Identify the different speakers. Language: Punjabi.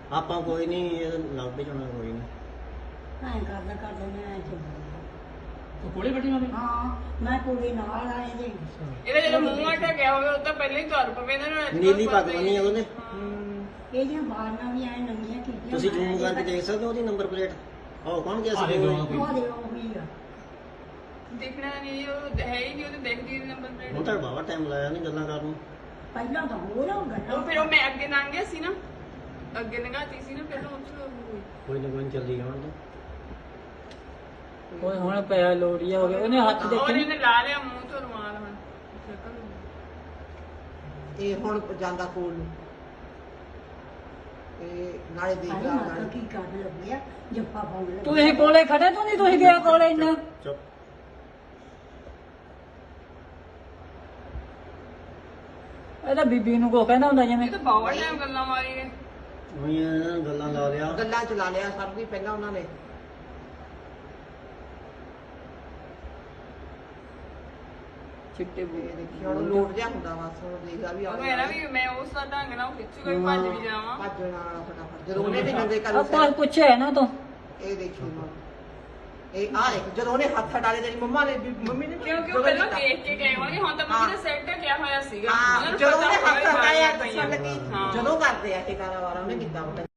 Speaker 1: ਆਪਾਂ ਕੋਈ ਨਹੀਂ ਲੱਭ ਜਾਣਾ ਕੋਈ ਨਹੀਂ
Speaker 2: ਐਂ ਕਰਦੇ ਨੇ ਐਂ ਚੱਲਦਾ
Speaker 3: ਉਹ ਕੋਲੇ ਬੈਠੀ ਮਾਮੀ
Speaker 2: ਹਾਂ ਮੈਂ ਕੁੜੀ ਨਾਲ ਆਏ ਦੇ
Speaker 4: ਇਹਦਾ ਜਦੋਂ ਮੂੰਹ ਢਕਿਆ ਹੋਵੇ ਉਹ ਤਾਂ ਪਹਿਲਾਂ ਹੀ ਤੁਰ ਪਵੇ ਇਹਨਾਂ ਨੂੰ
Speaker 1: ਨੀਲੀ ਪੱਗ ਬੰਨੀ ਆ ਉਹਨੇ
Speaker 2: ਇਹਦੀਆਂ ਬਾਲਾਂ ਵੀ ਐਂ ਨੰਗੀਆਂ ਕੀਤੀਆਂ
Speaker 1: ਤੁਸੀਂ ਜ਼ੂਮ ਕਰਕੇ ਦੇਖ ਸਕਦੇ ਹੋ ਉਹਦੀ ਨੰਬਰ ਪਲੇਟ ਆਹ ਕੌਣ ਗਿਆ
Speaker 3: ਆਹ
Speaker 1: ਸੀ
Speaker 3: ਦੇਖੋ।
Speaker 2: ਉਹ ਦੇ ਉਹ ਵੀ ਆ
Speaker 4: ਦੇਖਣਾ ਨਹੀਂ ਉਹ ਹੈ ਹੀ ਨਹੀਂ ਉਹਦੇ ਦੇਖਦੀ ਨੰਬਰ
Speaker 1: ਹੁਣ
Speaker 4: ਪਲੇਟ
Speaker 1: ਤਾਂ ਬਾਵਾ ਟਾਈਮ ਲਾਇਆ ਨਹੀਂ ਗੱਲਾਂ ਕਰਨ ਨੂੰ
Speaker 2: ਪਹਿਲਾਂ ਤਾਂ ਹੋਰ ਉਹ ਗੱਲਾਂ
Speaker 4: ਉਹ ਫਿਰ ਉਹ ਮੈਂ ਅੱਗੇ ਲੰਘ ਗਿਆ ਸੀ ਨਾ ਅੱਗੇ ਲੰਘਾਤੀ ਸੀ ਨਾ ਫਿਰ ਉਹ ਹੋਈ
Speaker 1: ਕੋਈ ਨਾ ਕੋਈ ਚੱਲੀ ਜਾਣ ਤੋਂ
Speaker 5: ਓਏ ਹੁਣ ਪਿਆ ਲੋੜੀਆ ਹੋ ਗਿਆ ਉਹਨੇ ਹੱਥ
Speaker 4: ਔਰ
Speaker 5: ਦੇਖੇ
Speaker 4: ਇਹਨੇ ਲਾ ਲਿਆ ਮੂੰਹ ਤੋਂ ਰੁਮਾਲ ਹੁਣ
Speaker 6: ਇਹ ਹੁਣ ਜਾਂਦਾ ਕੋਲ ਨੂੰ ਇਹ ਨਾਲੇ ਦੇਖ
Speaker 2: ਆਈ
Speaker 6: ਲਾ
Speaker 2: ਮਾਤਾ
Speaker 6: ਨਾਲੇ
Speaker 2: ਕੀ ਕਰ ਲੱਗਿਆ ਜੱਫਾ ਪਾਉਣ ਲੱਗਿਆ
Speaker 5: ਤੁਸੀਂ ਕੋਲੇ ਖੜੇ ਤੂੰ ਨਹੀਂ ਤੁਸੀਂ ਗਿਆ ਕੋਲੇ ਇੰਨਾ
Speaker 1: ਚੁੱਪ
Speaker 5: ਇਹਦਾ ਬੀਬੀ ਨੂੰ ਕੋ ਕਹਿੰਦਾ ਹੁੰਦਾ ਜਿਵੇਂ
Speaker 4: ਇਹ ਤਾਂ ਬਹੁਤ ਟਾਈਮ ਗੱਲਾਂ ਮਾਰੀ ਗਏ
Speaker 1: ਉਹੀ ਇਹਨਾਂ ਨੇ ਗੱਲਾਂ ਲਾ ਲਿਆ
Speaker 6: ਗੱਲਾਂ ਚਲਾ ਲਿਆ ਸਭ ਦੀ ਪਹਿਲਾਂ ਉਹਨਾਂ ਨੇ
Speaker 5: ਚਿੱਟੇ
Speaker 6: ਇਹ ਦੇਖੀ ਹੁਣ ਲੋਟ ਜਿਹਾ ਹੁੰਦਾ ਬਸ ਹੁਣ ਦੇਖਦਾ ਵੀ
Speaker 4: ਉਹ ਮੇਰਾ ਵੀ ਮੈਂ ਉਸ ਦਾ ਢੰਗ ਨਾਲ ਖਿੱਚੂਗਾ ਵੀ ਭੱਜ ਵੀ ਜਾਵਾਂ
Speaker 6: ਭੱਜਣ ਵਾਲਾ ਫਟਾਫਟ ਜਦੋਂ ਉਹਨੇ ਵੀ ਨੰਗੇ ਕਰ
Speaker 5: ਆਪਾਂ ਪੁੱਛਿਆ ਨਾ ਤੂੰ
Speaker 6: ਇਹ ਦੇਖੀ ਮਾਂ ਇਹ ਆ ਦੇਖ ਜਦੋਂ ਉਹਨੇ ਹੱਥ ਹਟਾਲੇ ਤੇਰੀ ਮੰਮਾ ਨੇ ਮੰਮੀ ਨੇ
Speaker 4: ਕਿਉਂਕਿ ਉਹ ਪਹਿਲਾਂ ਦੇਖ ਕੇ ਗਏ ਹੋਣਗੇ ਹੁਣ ਤਾਂ ਮੰਮੀ ਨੇ ਸੈੱਟ ਢਕਿਆ ਹੋਇਆ ਸੀਗਾ
Speaker 6: ਹਾਂ
Speaker 4: ਉਹਨਾਂ ਨੂੰ
Speaker 6: ਜਦੋਂ
Speaker 4: ਪਤਾ
Speaker 6: ਉਹਨੇ
Speaker 4: ਹੋਇਆ
Speaker 6: ਹੱਥ
Speaker 4: ਵੀ
Speaker 6: ਹਟਾਇਆ
Speaker 4: ਬਾਰੀਆਂ
Speaker 6: ਦੱਸਣ ਲੱਗੀ
Speaker 4: ਹਾਂ।
Speaker 6: ਜਦੋਂ ਕਰਦੇ ਆ ਇਹ ਕਾਰੋਬਾਰ ਉਹਨੇ ਕੀਤਾ ਉਹਨੇ